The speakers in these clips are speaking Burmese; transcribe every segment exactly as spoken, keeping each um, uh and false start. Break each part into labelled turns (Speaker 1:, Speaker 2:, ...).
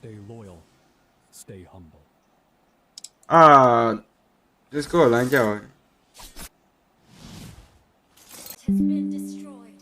Speaker 1: Stay loyal. Stay humble.
Speaker 2: Ah, just go line ကြောက်
Speaker 3: has been destroyed.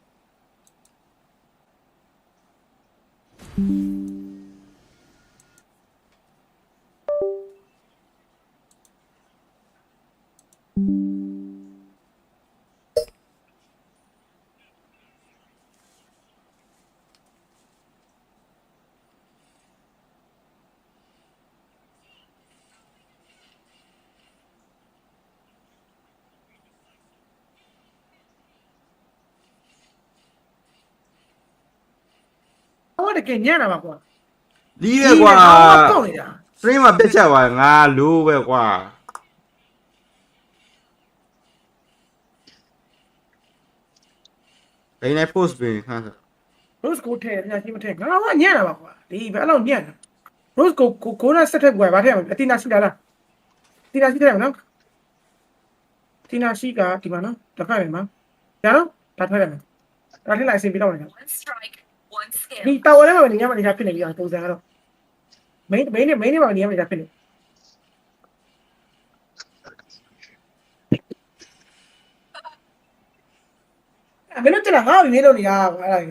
Speaker 4: 我得给念了吧，哥。
Speaker 2: ဒီပဲကွာ stream မှာပြတ်ချက်သွားငါလိုးပဲကွာဘယ်နဲ့ post ပြင်ခါစ
Speaker 4: Rose ကိုထဲညာရှိမထဲငါကညံ့တာပါကွာဒီဘယ်အဲ့လောက်ညံ့တာ Rose ကိုကိုကိုနဲ့ဆက်ထက်ကွာဗာထဲမှာအတီနာရှိတာလားအတီနာရှိတယ်မနော်အတီနာရှိကဒီမှာနော်တစ်ခါနေမှာညာနော်ဒါထွက်တယ်ဒါထည့်လိုက်အစီပြီးတော့နေ
Speaker 3: One strike, one skill.
Speaker 4: ဒီတာဝရဲမှာနေရမှာနေရဖြစ်နေပြီအောင်ပုံစံကတော့ main main နဲ့ main နဲ့မှာနေရမှာနေရဖြစ်နေအမင်းတို့ကငါ့ကိုရေးလို့နေတာအဲ့ဒါကြီး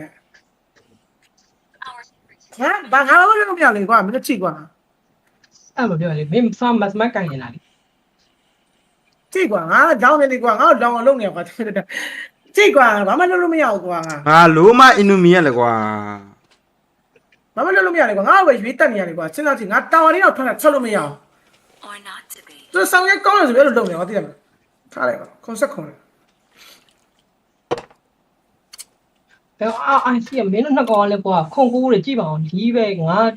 Speaker 3: Our
Speaker 4: ငါဘာငါလို့လို့မရလေကွာမင်းတို့ချိကွာ
Speaker 5: အဲ့မပြောလေမင်းစမ်းမစမကန်နေတာလေ
Speaker 4: ချိကွာငါကြောင်းနေလေကွာငါ့ကိုလောင်အောင်လုပ်နေကွာချိကွာဘာမှလုပ်လို့မရဘူးကွာ
Speaker 2: ငါလိုးမ enemy ရလေကွာ
Speaker 4: ဘာမှလုပ်လို့မရလေကွာငါ့ကိုပဲရွေးတက်နေရတယ်ကွာစဉ်းစားကြည့်ငါတာဝါလေးတော့ထွက်လာချက်လို့မရအောင်
Speaker 3: or not to be.
Speaker 4: သူဆောင်ရဲကောင်းတယ်ဆိုပြီးတော့လုပ်နေကွာသိတယ်မလားထားလိုက်ကွာခွန်ဆက်ခွန်
Speaker 5: ဘယ်အာအိုင်စီမင်းတို့နှစ်ကောင်လည်းကွာခုန်ကူးတွေကြည့်ပါအောင်ဒီပဲငါ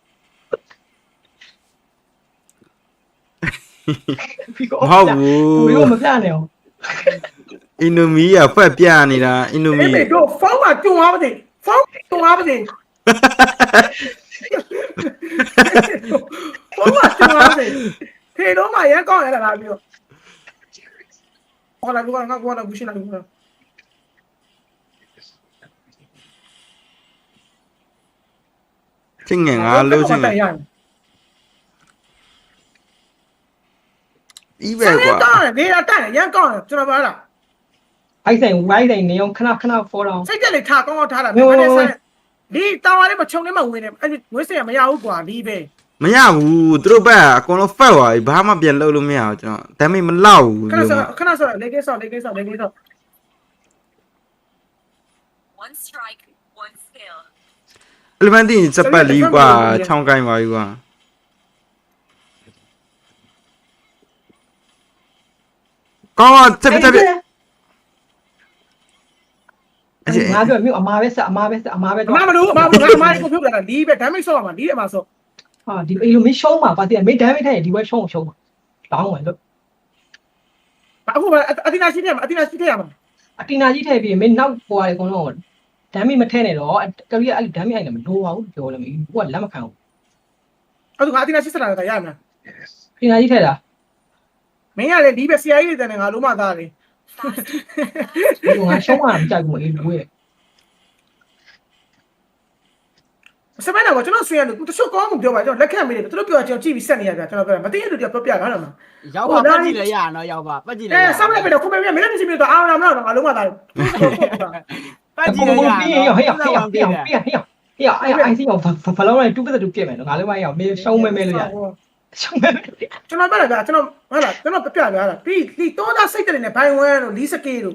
Speaker 5: ပြီး
Speaker 2: မဟုတ်ဘူး
Speaker 5: ဘယ်လိုမပြနေအောင်
Speaker 2: enemy ရဖက်ပြနေတာ enemy
Speaker 4: အေးမေတို့ဖုန်းမှာကျုံသွားပါစေဖုန်းကျုံသွားပါစေဖုန်းမှာကျုံသွားပါစေဖေတော့မှရဲကောင်းရတာလားပြီးတော့ဟောလာကွာငါကွာလာဘူးရှင်းလာကွာ
Speaker 2: ချင်းငယ်ငါလိုးချင်းတယ်ဒီပဲ
Speaker 4: ဆောင်းရဲ
Speaker 2: ကွာ
Speaker 4: ကောင်းတယ်နေတာတက်တယ်ရန်ကောင်းတယ်ကျွန်တော်ပြောတာ
Speaker 5: အိုက်ဆိုင်ဝိုင်းဆိုင်နေအောင်ခဏခဏဖော်တော့
Speaker 4: စိတ်ကြက်လေးထားကောင်းကောင်းထားတာဒီမနေ့ဆက်ဒီတာဝါလေးမချုံနေမှဝင်နေအဲ့ဝင်းစင်မရဘူးကွာဒီပဲ
Speaker 2: မရဘူးသူတို့ဘက်အကုန်လုံးဖက်သွားပြီဘာမှပြန်လုပ်လို့မရအောင်ကျွန်တော် damage မလောက်ဘူး
Speaker 4: ခဏဆောခဏဆောလေကိဆောလေကိဆောလေကိဆော
Speaker 3: One strike, one skill.
Speaker 2: အလမန်တင်စပတ်လီကွာချောင်းကိုင်းပါပြီကွာကောင်းတက်တက်
Speaker 5: ငါပြောမြို့အမားပဲဆက်အမားပဲဆက်အမားပဲ
Speaker 4: အမမလို့အမမလို့အမကိုဖြုတ်လာတာဒီပဲ damage ဆော့မှာဒီအမဆော့
Speaker 5: ဟာဒီအေလိုမင်းရှုံးမှာပါတည်းမင်းဒမ်းမိထိုင်ဒီဘက်ရှုံးရှုံးမှာတောင်းဝင်လို့
Speaker 4: အခုအတီနာရှိတယ်အတီနာရှိတယ်ရမှာ
Speaker 5: အတီနာကြီးထည့်ပြီးမင်းနောက်ပေါ်ရတယ်အကုန်လုံးဒမ်းမိမထဲနဲ့တော့ကလေးကအဲ့ဒမ်းမိအိုင်လည်းမလိုပါဘူးပြောလည်းမင်းကလက်မခံဘူး
Speaker 4: အဲ့ဒါကအတီနာရှိစလာတာရမှာ
Speaker 5: အတီနာကြီးထည့်တာ
Speaker 4: မင်းကလည်းဒီပဲဆရာကြီးတွေတန်းငါလုံးမသားတယ်
Speaker 5: ဒီငါရှုံးမှာမကြိုက်ဘူးအေးလူရဲ့
Speaker 4: စမနာကကျွန်တော်ဆွေးရတယ်သူတချို့ကောင်းမှုပြောပါကျွန်တော်လက်ခံမေးတယ်သူတို့ပြောကျွန်တော်ကြည့်ပြီးဆက်နေရပြကျွန်တော်ပြောမသိရလို့ပြောပြတာတော့မှာ
Speaker 6: ရောက်ပါပတ်ကြည့်လဲရနော်ရောက်ပါပတ်ကြည့်လဲ
Speaker 4: အဲဆောက်လိုက်ပြီတော့ခုမေးမင်းလည်းမရှိပြီတော့အာရမလားတော့ငါလုံးမသားတယ်
Speaker 6: ပတ်ကြည့်လဲရ
Speaker 5: ပြီးရင်ဟေ့ဟေ့ဟေ့ဟေ့ဟေ့ဟေ့ဟေ့အဲ့အိုင်စီအောင်ဖလောင်းလိုက်တူးပတ်တူးပြက်မယ်နော်ငါလည်းမရအောင်မင်းရှုံးမဲမဲလို့ရရှုံးမဲ
Speaker 4: ကျွန်တော်ပြောတာကကျွန်တော်ဟုတ်လားကျွန်တော်ပြပြပြတာပြီးဒီတော့သားစိတ်တယ်နဲ့ဘိုင်ဝဲလို့လီစကေလို့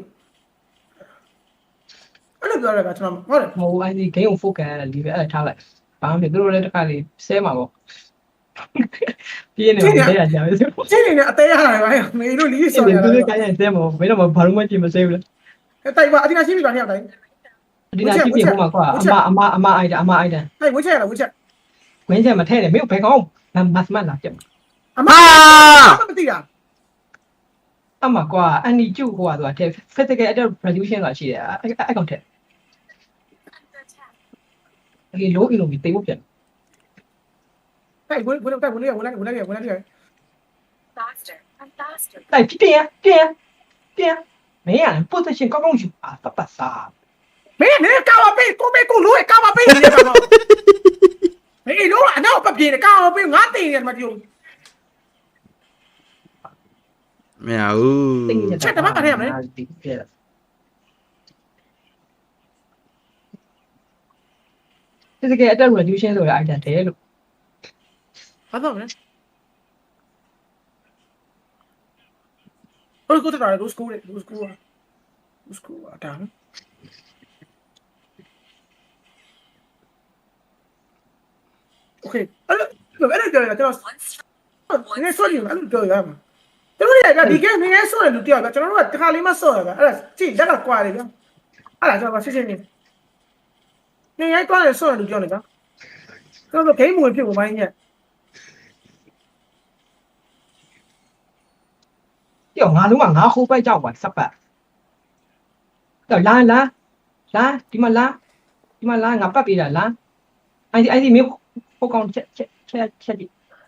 Speaker 4: အဲ့လိုပြောရတာကျွန်တော်ဟုတ်တယ်
Speaker 5: ဟိုအိုင်စီဂိမ်းကို focus ရတာဒီပဲအဲ့ထားလိုက်ဘာမှမဖြစ်သူတို့လည်းတစ်ခါလေးဆဲမှာပေါ့ပြင်းနေတယ်ရကြပဲဆို
Speaker 4: ချင်းနေနဲ့အသေးရတယ်ဗျာမေတို့လီ
Speaker 5: ဆို
Speaker 4: ဆော်
Speaker 5: တော့
Speaker 4: ရ
Speaker 5: သူ
Speaker 4: တာ
Speaker 5: တို့ကိုင်းရင်ဆဲမှာဘယ်တော့မှဘာလို့မှကြည့်မဆဲဘူးလေ
Speaker 4: တိုက်ပါအတင်းရှိပြီပါနှစ်ယောက်တိုင်း
Speaker 5: ဒီနာကြည့်ပြဟိုမှာကွာအမအမအမအိုက်တာအမအိုက်တာ
Speaker 4: ဟဲ့ဝှချက်ရလားဝှချက်
Speaker 5: ဝင်းချက်မထဲနဲ့မင်းဘယ်ကောင်းမတ်မတ်လာကြက်
Speaker 4: အမမသိတာ
Speaker 5: အမကွာအန်ဒီကျုပ်ဟိုကသူက physical attack resolution ဆိုတာရှိတယ်အဲ့အကောင်ထက်
Speaker 3: Under attack.
Speaker 5: အေး low in လို့ပြီးတိတ်ဖို့ပြန်
Speaker 4: ဟဲ့ဝှဝှတိုက်ဝှလေးဝှလိုက်ဝှလိုက်ဝှလိုက်
Speaker 3: Faster, I'm faster.
Speaker 5: တိုက်ပြင်းပြင်းပြင်းမင်းက position ကောင်းကောင်းယူအာပတ်ပတ်စား
Speaker 4: မင်းနေကာဝပေးကိုမေကိုလို့ကာဝပေးနေတယ်ကောင်မေလို့အနပြေးတယ်ကောင်းအောင်ပြေးငါတင်နေတယ်မပြော
Speaker 2: မရဘူး
Speaker 5: ချက်တမကထဲရမယ်ဒီပြက်ဒီကဲအတက် reduction ဆိုရ item တယ်လို့
Speaker 4: ဘာတော့မလဲဟိုကိုတက်တာလို့စကူလေလို့စကူอ่ะစကူอ่ะတာနော်โอเคအဲ့လိုအဲ့လိုကြော်ရကျွန်တော်
Speaker 3: One strike.
Speaker 4: နည်းဆိုရင်အဲ့လိုကြော်ရမှာတို့တွေကဒီကဲနည်းဆိုရလူတယောက်ကကျွန်တော်တို့ကတစ်ခါလေးမှဆော့ရပါအဲ့ဒါကြည့်လက်ကကွာတယ်ဗျအဲ့ဒါကျွန်တော်ရှင်းရှင်းနေနည်းရိုက်ကွာတယ်ဆော့ရလူကြောက်နေကြကျွန်တော်တို့ဂိမ်းမဝင်ဖြစ်ပုံပိုင်းညက်
Speaker 5: ပြောငါလုံးကငါခိုးပိုက်ကြောက်ပါစပတ်တော့လာလာလာဒီမှာလာဒီမှာလာငါပတ်ပေးတာလာအဲ့ဒီအဲ့ဒီမျိုးပိုကောင်ချက်ချက်ချက်ချက်ဒီ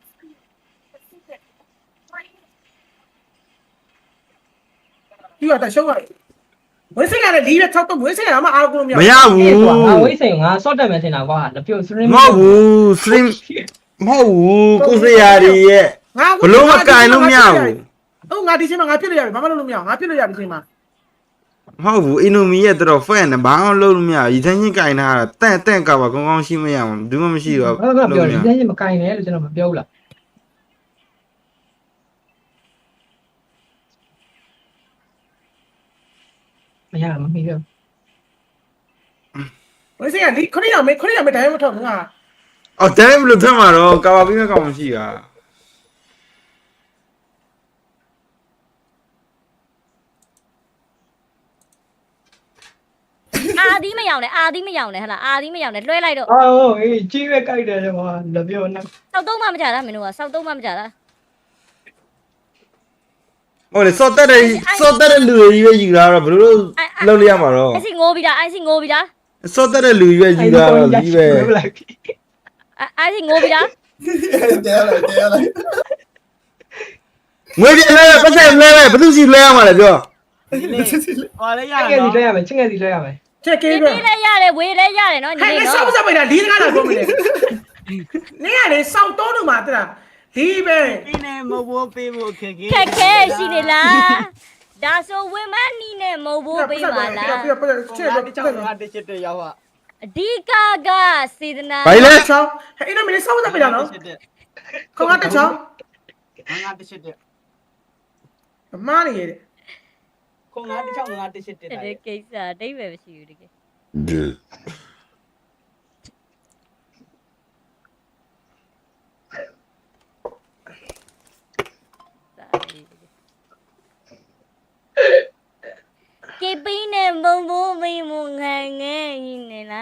Speaker 4: ဒီကတရှုံးရဝိစိတ်ရတယ်ဒီပဲ၆တော့ဝိစိတ်ရမှာအားကိုမရ
Speaker 2: မရဘူး
Speaker 5: ကွာငါဝိစိန်ငါစော့တက်မယ်ထင်တာကွာလက်ပြုတ်စရင်း
Speaker 2: မဟုတ်ဘူး stream မဟုတ်ဘူးကိုစရာတွေရဲ့
Speaker 4: ငါ
Speaker 2: ဘလို့မကင်လို့မရဘူး
Speaker 4: ဟုတ်ငါဒီချိန်မှာငါဖြစ်လို့ရတယ်ဘာမှလုပ်လို့မရငါဖြစ်လို့ရဒီချိန်မှာ
Speaker 2: မဟုတ်ဘူး enemy ရဲ့တော် fan နဲ့ဘာမှလုပ်လို့မရဘူးဒီတိုင်းချင်းကင်ထားတာတန့်တန့်ကပါကောင်းကောင်းရှိမရဘူးဘူးမှမရှိတော့
Speaker 5: ဘာမှပြောတယ်ဒီနေ့မကင်နဲ့လို့ကျွန်တော်မပြောဘူးလားမရမမီးတော့
Speaker 4: ဝိစိတ်ရဒီခရီးရမေခရီးရမေတိုင်းမထောက်ငါ
Speaker 2: အော်တန်းဘလို့ထမှာတော့ကာပါပြီးမကောင်းမရှိတာ
Speaker 7: အာသီးမယောင်နဲ့အာသီးမယောင်နဲ့ဟလာအာသီးမယောင်နဲ့လွှဲလိုက်တော့
Speaker 5: အော်အေးကြီးပဲကြိုက်တယ်ကွာလက်ပြောနဲ့
Speaker 7: စောက်သုံးမှမကြတာမင်းတို့ကစောက်သုံးမှမကြတာ
Speaker 2: ဟုတ်လေစော့တက်တဲ့စော့တက်တဲ့လူတွေကြီးပဲယူလာတော့ဘလို့လုပ်လို့ရမှာတော့
Speaker 7: အိုင်စီငိုးပြီးတာအိုင်စီငိုးပြီးတာ
Speaker 2: စော့တက်တဲ့လူကြီးပဲယူလာတော့ကြီးပဲ
Speaker 7: အိုင်စီငိုးပြီးတာ
Speaker 2: ငွေပြလဲပတ်စံလဲဘယ်သူစီလဲရမှာလဲပြော
Speaker 6: ဒီနေ့ဟောလဲရ
Speaker 5: ချင်းငယ်စီ
Speaker 6: နော်
Speaker 5: လဲရမယ်ချင်းငယ်စီလဲရမယ်
Speaker 4: ချက်ကေး
Speaker 7: ဒီ
Speaker 4: ပဲ
Speaker 7: ပြီးလဲရတယ်ဝေးလဲရတယ်နော်ညီ
Speaker 4: ဟဲ့
Speaker 7: လေး
Speaker 4: လေ
Speaker 7: နော်
Speaker 4: စောက်စပိတ်တာဒီတကားလာပြောမလဲနေရလေစောက်တော့လို့မှာတလားဒီပဲ
Speaker 6: ဒီနေ့မဘိုးပေးဖို့ခက်ခဲ
Speaker 7: ခက်ခဲရှိနေလားဒါဆိုဝင်းမနီနဲ့မဟုတ်ဘူးပေးပါလား
Speaker 4: ပြပြချက်
Speaker 6: ငါ
Speaker 4: တော့
Speaker 6: တ
Speaker 4: ချက်
Speaker 6: ချောင်း
Speaker 4: တော့
Speaker 6: ငါတစ်ချက်တည်းရောက်ဟာ
Speaker 7: အဓိကကစေတနာ
Speaker 2: ဘာလဲ
Speaker 4: ချောင်းဟဲ့အဲ့တော့မင်းစောက်စပိတ်တာနော်ခေါင်းကတက်ချောင်း
Speaker 6: ငါတစ်ချက်တည်း
Speaker 4: အမားနေရတယ်
Speaker 6: ခုံငါတစ်ချောင်းငါတစ်ချက်တည်း
Speaker 7: တဲ့ကိစ္စအတိတ်ပဲမရှိဘူးတကယ်ကေပင်းနဲ့ဘုံဘိုးမိမငန်းငယ်ကြီးနေလား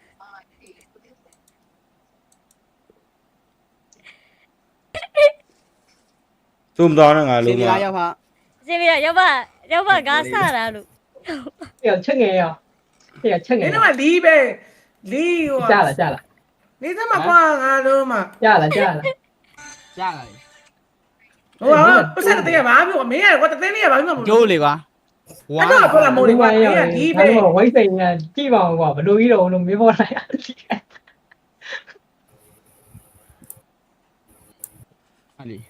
Speaker 2: သုံးတော့ငါ
Speaker 6: ဒီ
Speaker 2: လုံး
Speaker 6: နေ့
Speaker 2: မ
Speaker 6: ရောက်ဟာ
Speaker 7: စင်ပြရောက်ပါရောက်ပါကားဆတာလို့
Speaker 5: ပြချင်းငယ်ရောပြချင်းင
Speaker 4: နေ
Speaker 5: ယ်
Speaker 4: တော့လီးပဲလီးဟို
Speaker 5: ကြားလားကြားလား
Speaker 4: နေသမားကွာငါလုံးမှာ
Speaker 5: ကြားလားကြားလား
Speaker 6: ရလာပြီ
Speaker 4: ဟိုကပတ်စံတဲ့ဘာပြောမင်းရကွာတသိန်းလေးရဘာပြောမလို့
Speaker 6: ကျိုးလေကွာဝါ
Speaker 4: အဲ့တော့ပြောလာမို့လေကွာမင်းကဒီပဲ
Speaker 5: ဝိစိန်ကကြည့်ပါအောင်ကွာဘလို့ကြီးတော့လို့မေးဖို့လိုက်
Speaker 6: ဟာလီ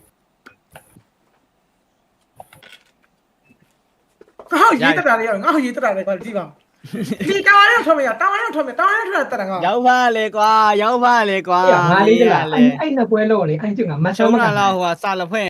Speaker 4: ငါ့ရေးတက်တာလေးငါ့ရေးတက်တာလေးကွာကြည့်ပါဒီတောင်းရအောင်ထွက်မရတောင်းရအောင်ထွက်မတောင်းရအောင်ထွက်တက်တာငါ
Speaker 6: ရောက်ပါလေကွာရောက်ပါလေကွာ
Speaker 5: ငါလေးကအဲ့အဲ့နှစ်ပွဲလို့လေအဲ့ကျငါမတ်
Speaker 6: ရှုံး
Speaker 5: ဆုံးမ
Speaker 6: တာ
Speaker 5: က
Speaker 6: လားဟိုကစာလဖွင့်